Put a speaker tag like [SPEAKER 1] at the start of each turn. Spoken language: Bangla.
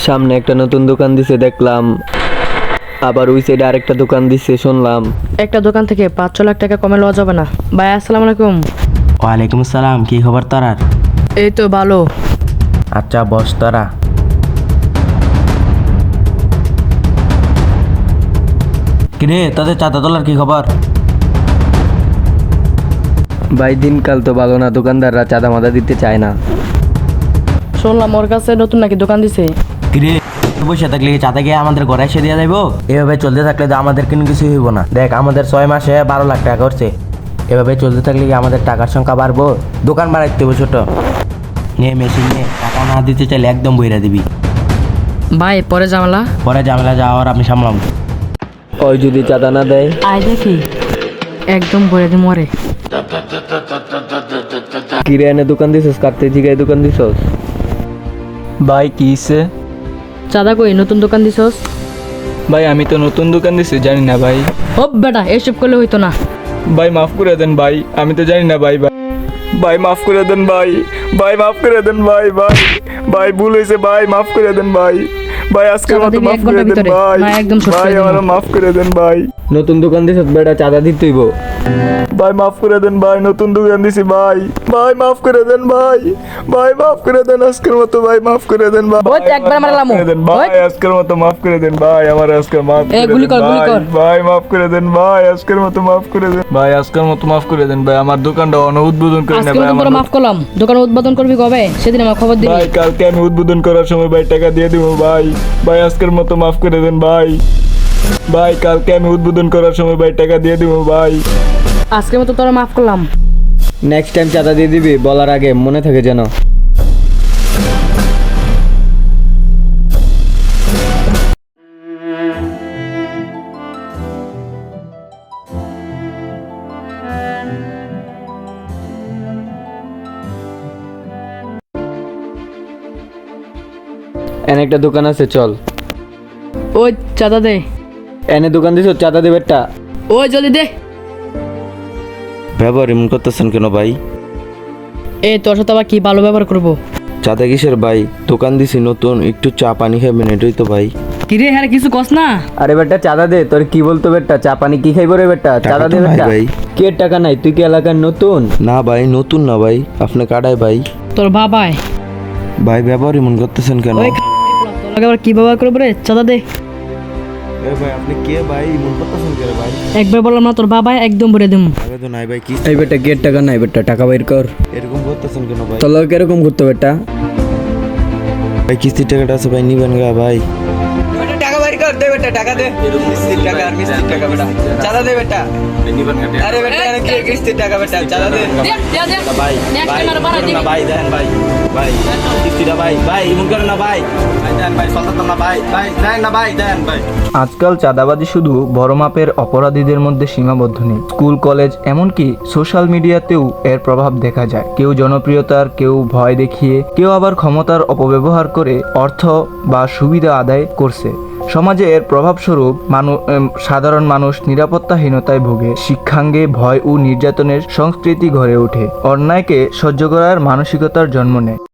[SPEAKER 1] সামনে একটা নতুন দোকান দিছে দেখলাম, আবার ওই সাইডে আরেকটা দোকান দিছে শুনলাম।
[SPEAKER 2] একটা দোকান থেকে 5-6 লাখ টাকা কমে লওয়া যাবে না। ভাই আসসালামু আলাইকুম।
[SPEAKER 3] ওয়ালাইকুম আসসালাম, কি খবর তোরার?
[SPEAKER 2] এই তো ভালো।
[SPEAKER 3] আচ্ছা বস তোরা। কিরে তোদের চাঁদা তোলার কি খবর?
[SPEAKER 1] ভাই দিনকাল তো ভালো না, দোকানদাররা চাঁদা মাদা দিতে চায় না।
[SPEAKER 2] শুনলাম ওর কাছে নতুন নাকি দোকান দিছে।
[SPEAKER 3] কিরে বসে থাকলে কি চাঁদা গিয়ে আমাদের ঘরে এসে দিয়ে যাইবো? এভাবে চলতে থাকলে তো আমাদের কোনো কিছু হইব না। দেখ আমাদের 6 মাসে 12 লাখ টাকা করছে। এভাবে চলতে থাকলে কি আমাদের টাকার সংখ্যা বাড়বো? দোকান বাড়াইতে হবে ছোট। নে মেশিন নে, টাকা না দিতে চাইলে একদম বইরা দিবি।
[SPEAKER 2] ভাই পরে ঝামেলা।
[SPEAKER 3] পরে ঝামেলা যাওয়ার আমি সামলাম।
[SPEAKER 1] ওই যদি চাঁদা না দেয়,
[SPEAKER 2] আয় দেখি একদম ভরে দি মরে।
[SPEAKER 1] কিরে এনে দোকান দিছস, কাটতে জিগায় দোকান দিছস?
[SPEAKER 4] ভাই কিসে?
[SPEAKER 2] চাঁদা কই নতুন দোকান দিছস?
[SPEAKER 4] ভাই আমি তো নতুন দোকান দিছি, জানি না ভাই।
[SPEAKER 2] ও বেটা এসব করলে হইতো না।
[SPEAKER 4] ভাই মাফ করে দেন ভাই, আমি তো জানি না ভাই। ভাই ভাই মাফ করে দেন ভাই, ভাই মাফ করে দেন ভাই। ভাই ভাই ভুল হয়েছে ভাই, মাফ করে দেন ভাই। ভাই আজকের
[SPEAKER 2] চাঁদা
[SPEAKER 4] মতো
[SPEAKER 2] দিবি
[SPEAKER 4] মাফ
[SPEAKER 2] 1
[SPEAKER 4] করে
[SPEAKER 2] ঘন্টার
[SPEAKER 4] দেন
[SPEAKER 2] ভিতরে।
[SPEAKER 4] ভাই।
[SPEAKER 2] না একদম সত্যি
[SPEAKER 4] ভাই
[SPEAKER 2] দিব।
[SPEAKER 4] আমার মাফ করে দেন ভাই।
[SPEAKER 1] নতুন দোকান দিছস বেটা, চাঁদা দিতেইব।
[SPEAKER 4] ভাই মাফ করে দেন ভাই, নতুন দোকান দিছি ভাই। ভাই মাফ করে দেন ভাই, ভাই মাফ করে দেন আজকের মতো ভাই, মাফ করে দেন ভাই।
[SPEAKER 2] ওই তো একবার মারলাম।
[SPEAKER 4] মাফ করে দেন ভাই, আজকের মতো মাফ করে দেন ভাই, আমার আজকে মাফ
[SPEAKER 2] এই
[SPEAKER 4] করে
[SPEAKER 2] গুলি
[SPEAKER 4] দেন
[SPEAKER 2] কর, গুলি
[SPEAKER 4] ভাই।
[SPEAKER 2] কর।
[SPEAKER 4] ভাই মাফ করে দেন ভাই, আজকের মতো মাফ করে দেন ভাই, আজকের মতো মাফ করে দেন ভাই। আমার দোকানটা উদ্বোধন করে
[SPEAKER 2] আজকে
[SPEAKER 4] না ভাই।
[SPEAKER 2] নতুন
[SPEAKER 4] আমার
[SPEAKER 2] করে মাফ করলাম। দোকান উদ্বোধন করবি কবে? সেদিন আমার খবর দিবি।
[SPEAKER 4] ভাই কালকে আমি উদ্বোধন করার সময় ভাই টাকা দিয়ে দিব ভাই। ভাই আজকের মতো মাফ করে দেন ভাই। ভাই কালকে আমি উদ্বোধন করার সময় ভাই টাকা দিয়ে দিব ভাই।
[SPEAKER 2] আজকের মতো তোরা মাফ করলাম।
[SPEAKER 1] নেক্সট টাইম চাঁদা দিয়ে দিবি, বলার আগে মনে থাকে যেন। এনে একটা দোকান আছে, চল।
[SPEAKER 2] ওই চাঁদা দে।
[SPEAKER 1] এনে দোকান দিছস, চাঁদা দে বেটা।
[SPEAKER 2] ওই জলদি দে।
[SPEAKER 5] ব্যবহার এমন করতেছেন কেন ভাই?
[SPEAKER 2] এই তোর সাথে আবার কি ভালো ব্যবহার করবো?
[SPEAKER 5] চাঁদা কিসের ভাই? দোকান দিছি নতুন, একটু চা পানি খাবেন, এটাই তো ভাই।
[SPEAKER 2] কিরে হ্যাঁ কিছু কস না।
[SPEAKER 1] আরে বেটা চাঁদা দে, তোর কি বলতো বেটা? চা পানি কি খাইব রে বেটা? চাঁদা দে
[SPEAKER 5] টাকা তো নাই
[SPEAKER 1] বেটা।
[SPEAKER 5] ভাই।
[SPEAKER 1] কে টাকা নাই? তুই কি এলাকার নতুন?
[SPEAKER 5] না ভাই নতুন না ভাই, আপনি কাটায় ভাই।
[SPEAKER 2] তোর বাবাই
[SPEAKER 5] ভাই ব্যবহার এমন করতেছেন কেন?
[SPEAKER 2] ওই তোর লগে আবার কি ব্যবহার করবো রে? চাঁদা দে।
[SPEAKER 5] এ ভাই আপনি কে ভাই, এমন করতেছেন কেন ভাই?
[SPEAKER 2] একবার বললাম না তোর বাবাই একদম ভরে দিম।
[SPEAKER 5] টাকা তো নাই ভাই, কি
[SPEAKER 1] এই বেটা কে টাকা নাই বেটা? টাকা বাইর কর।
[SPEAKER 5] এরকম করতেছেন কেন ভাই?
[SPEAKER 1] তোর লগে কিরকম করতো বেটা?
[SPEAKER 5] ভাই কিস্তির টাকাটা আছে ভাই, নিবেন গা ভাই।
[SPEAKER 6] টাকা বাইর কর দে বেটা, টাকা দে। কিস্তির টাকা আর কিস্তির টাকা বেটা, চাঁদা দে বেটা। আরে বেটা এনে কি কিস্তির টাকা বেটা, চাঁদা দে।
[SPEAKER 5] ভাই ভাই না ভাই, দেন ভাই। ভাই কিস্তিটা ভাই, ভাই এমন করেন না ভাই। ভাই দেন ভাই, সতাতাম না ভাই, ভাই দেন না ভাই, দেন ভাই।
[SPEAKER 7] আজকাল চাঁদাবাজি শুধু বড় মাপের অপরাধীদের মধ্যে সীমাবদ্ধ নেই। স্কুল, কলেজ, এমনকি সোশ্যাল মিডিয়াতেও এর প্রভাব দেখা যায়। কেউ জনপ্রিয়তার, কেউ ভয় দেখিয়ে, কেউ আবার ক্ষমতার অপব্যবহার করে অর্থ বা সুবিধা আদায় করছে। সমাজে এর প্রভাবস্বরূপ সাধারণ মানুষ নিরাপত্তাহীনতায় ভোগে, শিক্ষাঙ্গে ভয় ও নির্যাতনের সংস্কৃতি গড়ে ওঠে, অন্যায়কে সহ্য করার মানসিকতার জন্ম নেয়।